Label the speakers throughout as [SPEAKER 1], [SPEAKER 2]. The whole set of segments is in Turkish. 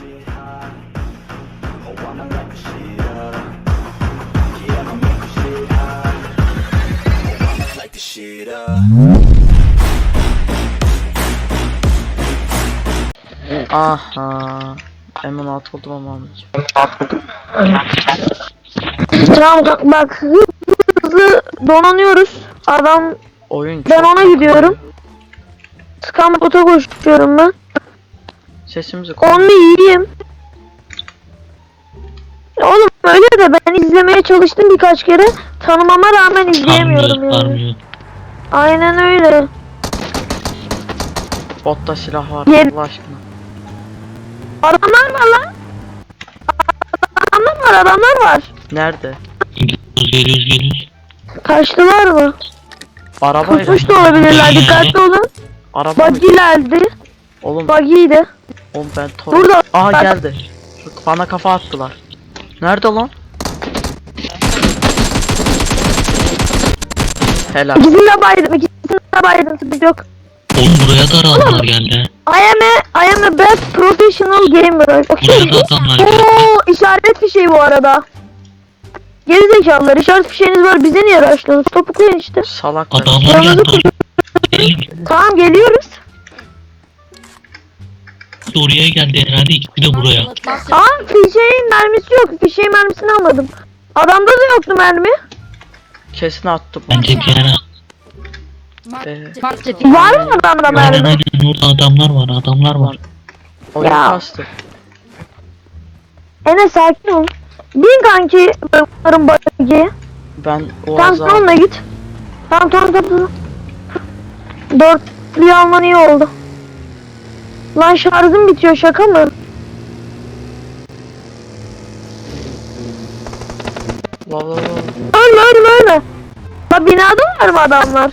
[SPEAKER 1] shit hot. Oh, I'ma light the shit up. Yeah, I'ma make the shit hot. Oh, I'ma light the shit up.
[SPEAKER 2] Aha. Hemen at oldum ama almayacağım.
[SPEAKER 3] Tamam bak hızlı donanıyoruz. Adam
[SPEAKER 2] Oyun
[SPEAKER 3] ben
[SPEAKER 2] çok
[SPEAKER 3] ona
[SPEAKER 2] takılıyor.
[SPEAKER 3] gidiyorum. Skamot'a koşuyorum ben.
[SPEAKER 2] Sesimizi koy.
[SPEAKER 3] Onu yiyeyim. Oğlum öyle de ben izlemeye çalıştım birkaç kere. Tanımama rağmen izleyemiyorum yani. Aynen öyle.
[SPEAKER 2] Botta silah var
[SPEAKER 3] Yer-
[SPEAKER 2] Allah aşkına.
[SPEAKER 3] Adamlar var lan. Adamlar var.
[SPEAKER 2] Nerede?
[SPEAKER 4] Geliyoruz.
[SPEAKER 3] Kaçtılar mı?
[SPEAKER 2] Arabayla.
[SPEAKER 3] Kaçmış da olabilirler. Dikkatli olun.
[SPEAKER 2] Araba.
[SPEAKER 3] Buggy'lerdi.
[SPEAKER 2] Oğlum,
[SPEAKER 3] Buggy'ydi.
[SPEAKER 2] oğlum ben tor.
[SPEAKER 3] Burada.
[SPEAKER 2] Aha
[SPEAKER 3] Bak.
[SPEAKER 2] geldi. Bana kafa attılar. Nerede lan? Helal.
[SPEAKER 3] İkisini de baydım. Sıkıntı yok.
[SPEAKER 4] Oğlum buraya da adamlar geldi.
[SPEAKER 3] I am a best professional gamer.
[SPEAKER 4] Buraya da adamlar geldi.
[SPEAKER 3] Oo, işaret fişeği bu arada. Gerizekalılar, işaret fişeğiniz var, bize niye araştırdınız? Topuklayın işte.
[SPEAKER 2] Salaklar.
[SPEAKER 4] Adamlar geldi.
[SPEAKER 3] Tamam, geliyoruz.
[SPEAKER 4] Oraya geldi herhalde, ikisi de buraya.
[SPEAKER 3] Aa, fişeğin mermisi yok. Fişeğin mermisini almadım. Adamda da yoktu mermi.
[SPEAKER 2] Kesin attı bu.
[SPEAKER 4] Bence Kerem.
[SPEAKER 3] Var mı adamda mermi?
[SPEAKER 4] Aynen orada adamlar var.
[SPEAKER 2] Oyun
[SPEAKER 3] Ya.
[SPEAKER 2] kastı.
[SPEAKER 3] Enes sakin ol. Bin kanki bunların buggy'ye.
[SPEAKER 2] Ben o
[SPEAKER 3] Tamam,
[SPEAKER 2] azar.
[SPEAKER 3] onunla git. Tamam. Dörtlüyü alman iyi oldu. Lan şarjım bitiyor, şaka mı?
[SPEAKER 2] La.
[SPEAKER 3] Ölme. La binada var mı adamlar?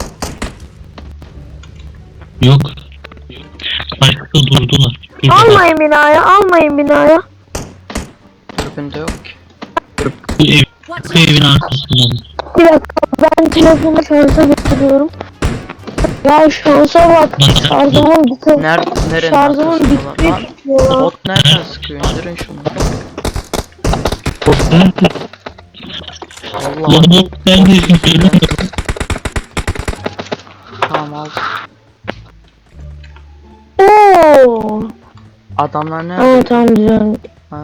[SPEAKER 4] Yok. Başka durdular.
[SPEAKER 3] Almayın binaya.
[SPEAKER 2] Tribünde yok ki.
[SPEAKER 4] Bu evin arkasından.
[SPEAKER 3] Bir dakika, ben telefonu şarja getiriyorum. Ya şansa bak, şarjımın bitti.
[SPEAKER 2] Nerenin
[SPEAKER 3] Şarjımın
[SPEAKER 2] arkasında
[SPEAKER 3] bitmek
[SPEAKER 2] lan?
[SPEAKER 3] istiyor.
[SPEAKER 2] Bot nereden sıkıyor? İndirin şunu. Allah.
[SPEAKER 4] Lan bu neredesin söyle.
[SPEAKER 2] Tamam al.
[SPEAKER 3] Oo.
[SPEAKER 2] Adamlar nerede?
[SPEAKER 3] Aa, tamam güzel.
[SPEAKER 2] Ha.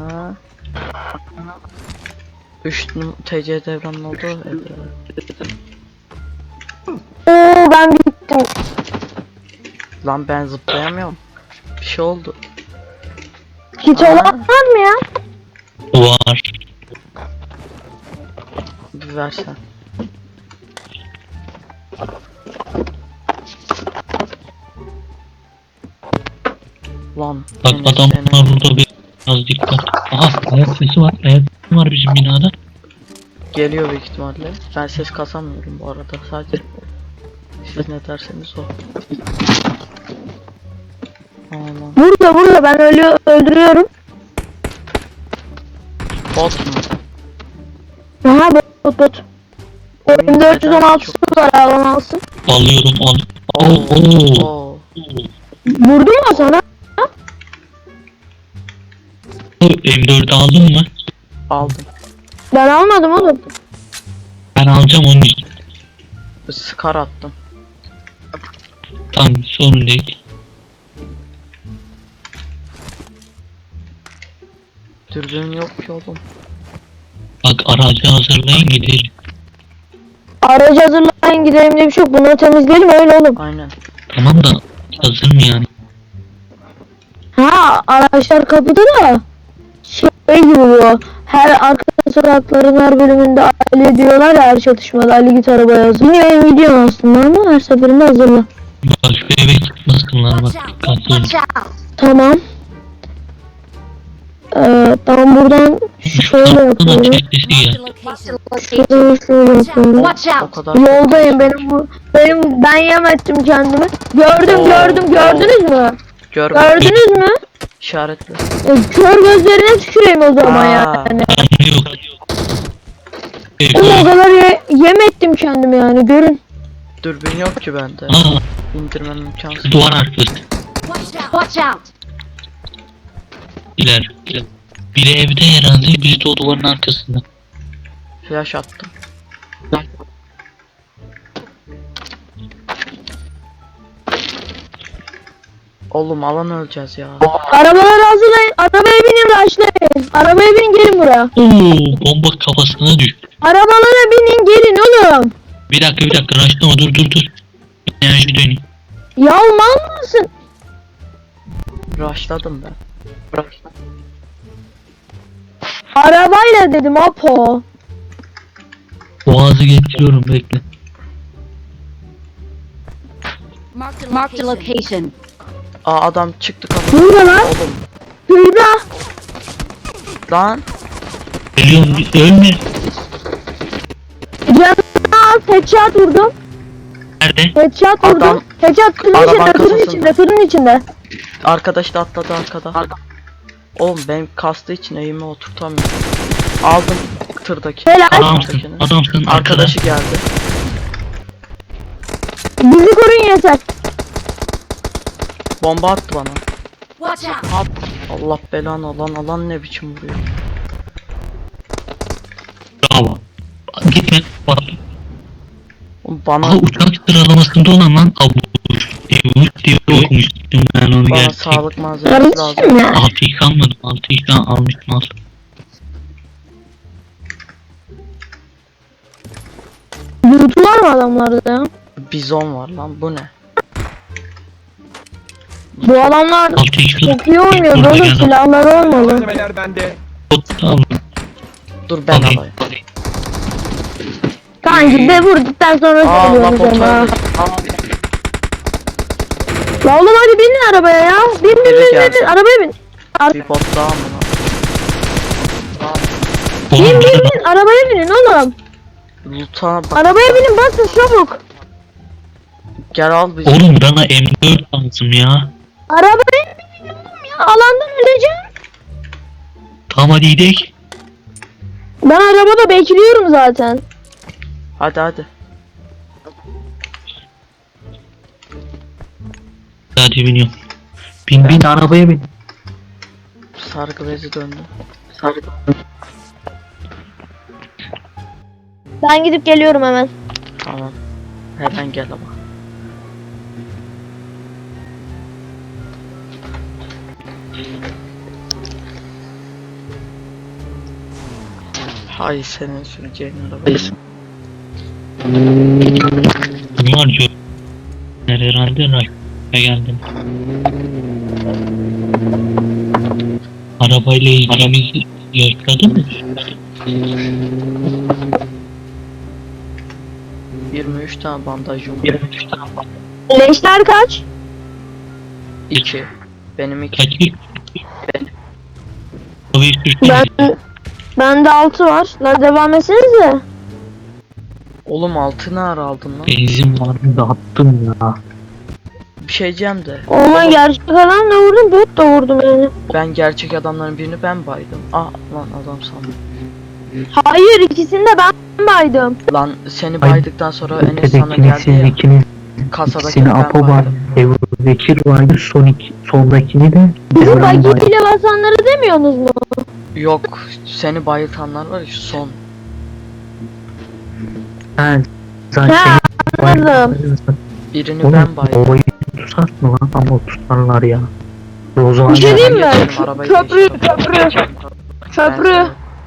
[SPEAKER 2] 3 TC devranın oldu.
[SPEAKER 3] Oo, ben bittim.
[SPEAKER 2] Lan ben zıplayamıyorum. Bir şey oldu.
[SPEAKER 3] Hiç olan var mı ya?
[SPEAKER 4] Var.
[SPEAKER 2] Bir versen. Lan.
[SPEAKER 4] Bak
[SPEAKER 2] Enes,
[SPEAKER 4] adamlar
[SPEAKER 2] Enes.
[SPEAKER 4] burada biraz dikkat. Aha ayak sesi var. Ayak sesi var bizim binada.
[SPEAKER 2] Geliyor büyük ihtimalle. Ben ses kasamıyorum bu arada. Sadece siz ne derseniz o. Aman.
[SPEAKER 3] Burada ben öldürüyorum.
[SPEAKER 2] Bot mu?
[SPEAKER 3] Aha, bot. Oyun 416'sı var, alan alsın.
[SPEAKER 4] Alıyorum.
[SPEAKER 2] Oo.
[SPEAKER 3] Vurdun mu sana?
[SPEAKER 4] M4'ü aldın mı?
[SPEAKER 2] Aldım.
[SPEAKER 3] Ben almadım oğlum.
[SPEAKER 4] Ben alacağım onun için.
[SPEAKER 2] Scar attım.
[SPEAKER 4] Tamam sorun değil.
[SPEAKER 2] Dürbün yok ki oğlum.
[SPEAKER 4] Bak aracı hazırlayın gidelim.
[SPEAKER 3] Aracı hazırlayın gidelim diye bir şey yok. Bunları temizleyelim öyle oğlum.
[SPEAKER 2] Aynen.
[SPEAKER 4] Tamam da hazır mı yani?
[SPEAKER 3] Ha, araçlar kapıda da şey gibi bu. Her arka sokakların her bölümünde Ali diyorlar ya, her çatışmada Ali git arabaya hazır. Yine benim videom aslında ama her seferinde hazırla.
[SPEAKER 4] Bak şu eve çıkmasınlar bak dikkatli olun.
[SPEAKER 3] Tamam. Tamam, buradan şöyle
[SPEAKER 4] Şuradan
[SPEAKER 3] yapıyorum.
[SPEAKER 4] çek sesi gel.
[SPEAKER 3] Şuradan şöyle yapıyorum.
[SPEAKER 2] O kadar.
[SPEAKER 3] Yoldayım, ben yem ettim kendimi. Gördünüz mü?
[SPEAKER 2] Görmedim.
[SPEAKER 3] Gördünüz mü?
[SPEAKER 2] İşaretli.
[SPEAKER 3] Kör gözlerine tüküreyim o zaman
[SPEAKER 2] Aa.
[SPEAKER 3] yani.
[SPEAKER 4] Canlı yok.
[SPEAKER 3] Oğlum, o kadar yem ettim kendimi yani, görün.
[SPEAKER 2] Dürbün yok ki bende.
[SPEAKER 4] Aa
[SPEAKER 2] İndirmem imkansız.
[SPEAKER 4] duvar arkası.
[SPEAKER 5] Watch out!
[SPEAKER 4] kişiler. Biri evde herhalde, biri de o duvarın arkasında.
[SPEAKER 2] Flash attım. Oğlum alan öleceğiz ya.
[SPEAKER 3] Arabaları hazırlayın. Arabaya binin, rushlayın. Arabaya binin, gelin buraya.
[SPEAKER 4] Oo, bomba kafasına düştü.
[SPEAKER 3] Arabalara binin, gelin oğlum.
[SPEAKER 4] Bir dakika raşlama, dur. Enerji döneyim.
[SPEAKER 3] Ya mal mısın?
[SPEAKER 2] Rushladım ben.
[SPEAKER 3] Arabayla dedim Apo.
[SPEAKER 4] Boğazı getiriyorum, bekle.
[SPEAKER 5] Marked a location.
[SPEAKER 2] Aa adam çıktı kapıdan.
[SPEAKER 3] Burada lan.
[SPEAKER 2] Oğlum
[SPEAKER 3] Şurada.
[SPEAKER 2] lan.
[SPEAKER 4] Geliyorum, ölme.
[SPEAKER 3] Canına az headshot vurdum.
[SPEAKER 4] Nerede?
[SPEAKER 3] Headshot vurdum.
[SPEAKER 2] Adam-
[SPEAKER 3] Headshot tırın
[SPEAKER 2] Arabanın
[SPEAKER 3] içinde, tırın
[SPEAKER 2] kasasında.
[SPEAKER 3] içinde, tırın içinde.
[SPEAKER 2] Arkadaş da atladı arkada. Oğlum benim kastığı için eğimi oturtamıyorum. Aldım tırdaki.
[SPEAKER 3] Helal.
[SPEAKER 4] Adamsın arkada.
[SPEAKER 2] Arkadaşı geldi.
[SPEAKER 3] Bizi koruyun yeter.
[SPEAKER 2] Bomba attı bana.
[SPEAKER 5] Watch out.
[SPEAKER 2] Allah belanı, alan ne biçim vuruyor.
[SPEAKER 4] Bravo. Gitme. Bak.
[SPEAKER 2] Oğlum bana
[SPEAKER 4] Aha, uçak sıralamasında olan lan. Avuç diye okumuştum ben onu
[SPEAKER 2] bana
[SPEAKER 4] gerçek.
[SPEAKER 2] sağlık malzemesi lazım.
[SPEAKER 3] Kardeşim ya.
[SPEAKER 4] 6x almadım. 6x almıştım az.
[SPEAKER 3] Loot var mı adamlarda ya?
[SPEAKER 2] Bizon var lan, bu ne?
[SPEAKER 3] Bu adamlar
[SPEAKER 4] 6x
[SPEAKER 3] çok iyi oynuyor. Böyle silahları olmalı.
[SPEAKER 6] Malzemeler bende.
[SPEAKER 4] aldım.
[SPEAKER 2] Dur ben
[SPEAKER 4] Alayım.
[SPEAKER 2] alayım.
[SPEAKER 3] Kanki de vurduktan sonra
[SPEAKER 2] Allah
[SPEAKER 3] söylüyorum
[SPEAKER 2] bot
[SPEAKER 3] sana.
[SPEAKER 2] öldü.
[SPEAKER 3] La oğlum hadi binin arabaya ya.
[SPEAKER 2] Biri
[SPEAKER 3] Bin
[SPEAKER 2] geldi.
[SPEAKER 3] arabaya bin.
[SPEAKER 2] Bir bot daha mı lan?
[SPEAKER 3] Bin arabaya binin oğlum.
[SPEAKER 2] Loot'a bak.
[SPEAKER 3] Arabaya binin, basın çabuk.
[SPEAKER 2] Gel al bizi.
[SPEAKER 4] Oğlum bana M4 lazım ya.
[SPEAKER 3] Arabaya binin oğlum ya, alandan öleceğim.
[SPEAKER 4] Tamam hadi gidelim.
[SPEAKER 3] Ben arabada bekliyorum zaten.
[SPEAKER 2] Hadi.
[SPEAKER 4] Hadi biniyorum. Bin arabaya bin.
[SPEAKER 2] Sargı bezi döndü.
[SPEAKER 3] Ben gidip geliyorum hemen.
[SPEAKER 2] Tamam. Hemen gel ama. Hay senin süreceğin araba.
[SPEAKER 4] Bunlar çok. Herhalde Rakip'e geldim. Arabayla ilgimizi yaşladın mı?
[SPEAKER 2] 23 tane bandajım var.
[SPEAKER 4] 23 tane var.
[SPEAKER 3] Leşler kaç?
[SPEAKER 2] 2. Benim 2.
[SPEAKER 4] Kaç bir? Havayı
[SPEAKER 3] Ben
[SPEAKER 4] sürsene.
[SPEAKER 3] bende 6 var. La devam etsenize.
[SPEAKER 2] Oğlum altı ne ara aldın lan?
[SPEAKER 4] Benzin vardı da attım ya.
[SPEAKER 2] Bir şey diyeceğim de.
[SPEAKER 3] Oğlum gerçek adamla vurdum, bot da vurdum yani.
[SPEAKER 2] Ben gerçek adamların birini ben baydım. Lan adam sandım.
[SPEAKER 3] Hayır, ikisini de ben baydım.
[SPEAKER 2] Lan seni baydıktan sonra Enes sana
[SPEAKER 7] Ötekini
[SPEAKER 2] geldi
[SPEAKER 7] siz
[SPEAKER 2] ya.
[SPEAKER 7] ikiniz,
[SPEAKER 2] Kasadaki
[SPEAKER 7] ikisini
[SPEAKER 2] ben
[SPEAKER 7] Apo var,
[SPEAKER 2] baydım.
[SPEAKER 7] Ebu Bekir vardı, soldakini de
[SPEAKER 3] Bizim
[SPEAKER 7] Devran var.
[SPEAKER 3] bagiyle basanları demiyorsunuz mu?
[SPEAKER 2] Yok, seni bayıltanlar var ya şu son.
[SPEAKER 7] Ha, zaten
[SPEAKER 3] Ha,
[SPEAKER 7] senin
[SPEAKER 3] anladım.
[SPEAKER 2] Birini
[SPEAKER 7] Oğlum,
[SPEAKER 2] ben baydım.
[SPEAKER 7] olayı tutar mı lan? Ama tutarlar ya. O zaman
[SPEAKER 3] Bir şey
[SPEAKER 7] ya-
[SPEAKER 3] diyeyim mi?
[SPEAKER 2] Geçelim, arabayı
[SPEAKER 3] Köprü,
[SPEAKER 2] geçelim.
[SPEAKER 3] köprü. Köprü.
[SPEAKER 2] Ben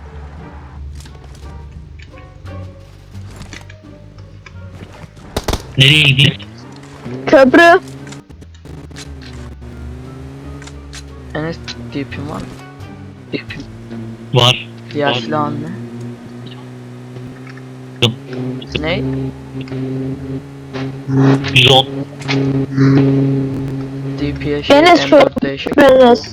[SPEAKER 4] Nereye gideyim?
[SPEAKER 3] Köprü.
[SPEAKER 2] Enes DP'm var mı? DP'm.
[SPEAKER 4] Var.
[SPEAKER 2] Diğer
[SPEAKER 4] Var.
[SPEAKER 2] silahın ne?
[SPEAKER 4] Yok.
[SPEAKER 2] Ne?
[SPEAKER 4] 110.
[SPEAKER 2] DP'ye şey
[SPEAKER 3] Enes
[SPEAKER 2] M4 değişik.
[SPEAKER 3] Enes.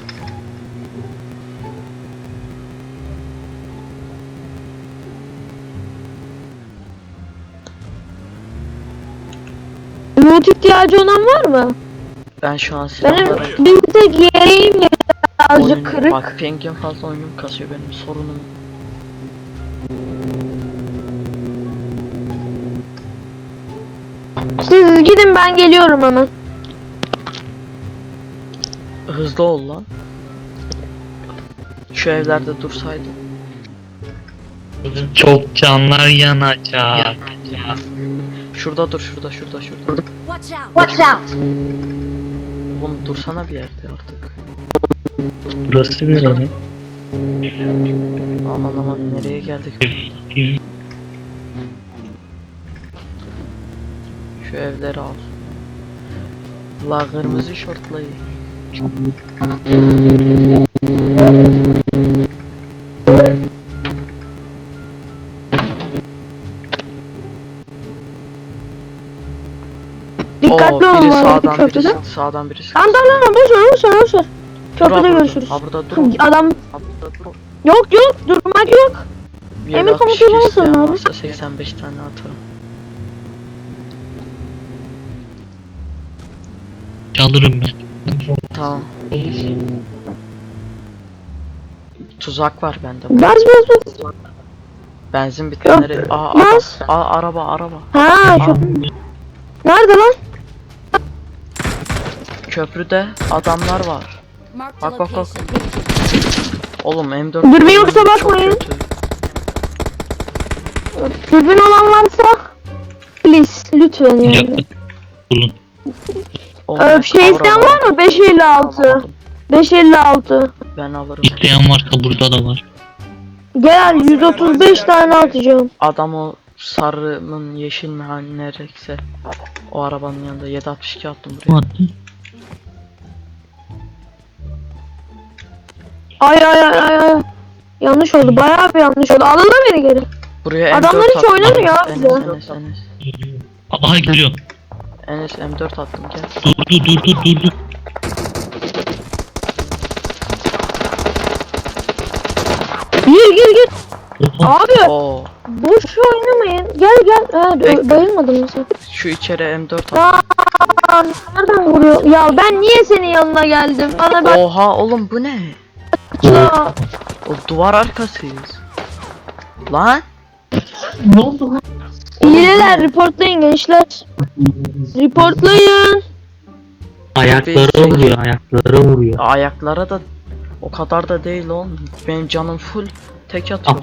[SPEAKER 3] Loot ihtiyacı olan var mı?
[SPEAKER 2] Ben şu an
[SPEAKER 3] Benim
[SPEAKER 2] silahlara...
[SPEAKER 3] bir tek yeğenim birazcık
[SPEAKER 2] Oyun-
[SPEAKER 3] kırık.
[SPEAKER 2] Bak pingim fazla, oyunum kasıyor, benim sorunum.
[SPEAKER 3] Siz gidin, ben geliyorum hemen.
[SPEAKER 2] Hızlı ol lan. Şu evlerde dursaydı.
[SPEAKER 4] Çok canlar yanacak.
[SPEAKER 2] Şurada dur, şurada.
[SPEAKER 5] Watch out! Watch out!
[SPEAKER 2] Oğlum dursana bir yerde artık.
[SPEAKER 4] Burası bir yere.
[SPEAKER 2] Aman nereye geldik? Şu evleri al. La kırmızı şortlayı.
[SPEAKER 3] Dikkatli olun
[SPEAKER 2] biri
[SPEAKER 3] abi
[SPEAKER 2] sağdan
[SPEAKER 3] köprüde.
[SPEAKER 2] birisi sağdan birisi.
[SPEAKER 3] Tamam boş ver.
[SPEAKER 2] Dur
[SPEAKER 3] Köprüde
[SPEAKER 2] burada.
[SPEAKER 3] görüşürüz.
[SPEAKER 2] Ha burada dur.
[SPEAKER 3] Adam
[SPEAKER 2] Ha burada dur.
[SPEAKER 3] yok durmak yok.
[SPEAKER 2] Bir
[SPEAKER 3] Emir
[SPEAKER 2] el
[SPEAKER 3] komutanı
[SPEAKER 2] atmış
[SPEAKER 3] olsun
[SPEAKER 2] isteyen
[SPEAKER 3] abi.
[SPEAKER 2] varsa 85 tane atarım.
[SPEAKER 4] Çalırım ben.
[SPEAKER 2] Tamam. Tuzak var bende.
[SPEAKER 3] Bas.
[SPEAKER 2] Benzin bitenleri. Aa
[SPEAKER 3] Bas.
[SPEAKER 2] araba.
[SPEAKER 3] Ha şu. Nerede lan?
[SPEAKER 2] Köprüde adamlar var.
[SPEAKER 5] Marked a
[SPEAKER 2] Bak.
[SPEAKER 5] location.
[SPEAKER 2] Oğlum M4.
[SPEAKER 3] Dürbün yoksa
[SPEAKER 2] çok
[SPEAKER 3] bakmayın.
[SPEAKER 2] kötü.
[SPEAKER 3] Dürbün olan varsa please lütfen yani.
[SPEAKER 4] Yakın. Bulun.
[SPEAKER 2] Oğlum,
[SPEAKER 3] Şey isteyen var mı? 556. 556.
[SPEAKER 2] Ben alırım.
[SPEAKER 4] İsteyen varsa burada da var.
[SPEAKER 3] Gel 135 tane atacağım.
[SPEAKER 2] Adam o sarı mı yeşil mi hani nerekse. O arabanın yanında 762 attım
[SPEAKER 4] Kim
[SPEAKER 2] buraya.
[SPEAKER 4] attı?
[SPEAKER 3] Ay. Yanlış oldu. Bayağı bir yanlış oldu. Alın da beni geri.
[SPEAKER 2] Buraya
[SPEAKER 3] Adamlar
[SPEAKER 2] M4
[SPEAKER 3] hiç
[SPEAKER 2] attım.
[SPEAKER 3] oynamıyor abi bize.
[SPEAKER 4] Aha geliyor.
[SPEAKER 2] Enes M4 attım gel.
[SPEAKER 4] Dur.
[SPEAKER 3] Gir.
[SPEAKER 4] Oha.
[SPEAKER 3] Abi
[SPEAKER 2] Oo,
[SPEAKER 3] boş oynamayın. Gel. Ha,
[SPEAKER 2] Bekle.
[SPEAKER 3] bayılmadın mı sen?
[SPEAKER 2] şu içeri M4 attım.
[SPEAKER 3] Aa, nereden vuruyor? Ya ben niye senin yanına geldim? Bana bak
[SPEAKER 2] Oha oğlum bu ne?
[SPEAKER 3] ya.
[SPEAKER 2] O duvar arkasıyız. Lan.
[SPEAKER 3] Hileler reportlayın gençler. Reportlayın.
[SPEAKER 7] Ayaklara vuruyor.
[SPEAKER 2] Ayaklara da o kadar da değil oğlum. Benim canım full tek atıyor.